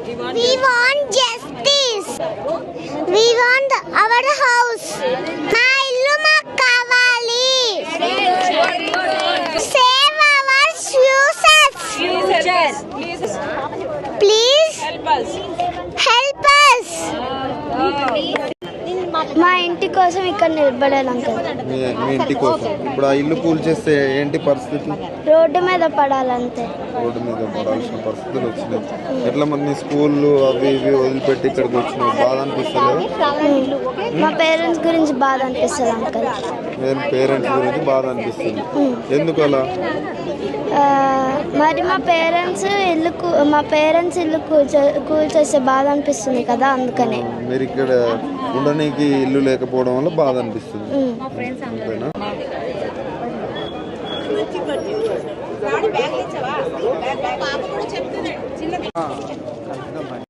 We want justice. We want our house. మా ఇల్లు మాకు కావాలి. Save our futures. Please help us. మా ఇంటి కోసం ఇక్కడ నిలబడాలి అంకుల్. మీ ఇంటి కోసం ఇప్పుడు ఆ ఇల్లు కూల్చేస్తే ఏంటి పరిస్థితి? రోడ్డు మీద పడాలంతే. రోడ్డు మీద పడాల్సిన పరిస్థితులు వచ్చినాయి. ఎట్లా మరి నీ స్కూళ్ళు అవి ఇవి వదిలిపెట్టి ఇక్కడికి వచ్చినావు, బాధ అనిపిస్తలేదు? మా పేరెంట్స్ గురించి బాధ అనిపిస్తుంది అంకుల్. పేరెంట్స్ గురించి బాధ అనిపిస్తుంది. ఎందుకు అలా? మరి మా పేరెంట్స్ ఇల్లు కూల్చేస్తే బాధ అనిపిస్తుంది కదా, అందుకనే. మీరు ఇక్కడ ఉండడానికి ఇల్లు లేకపోవడం వల్ల బాధ అనిపిస్తుంది, అంతేనా?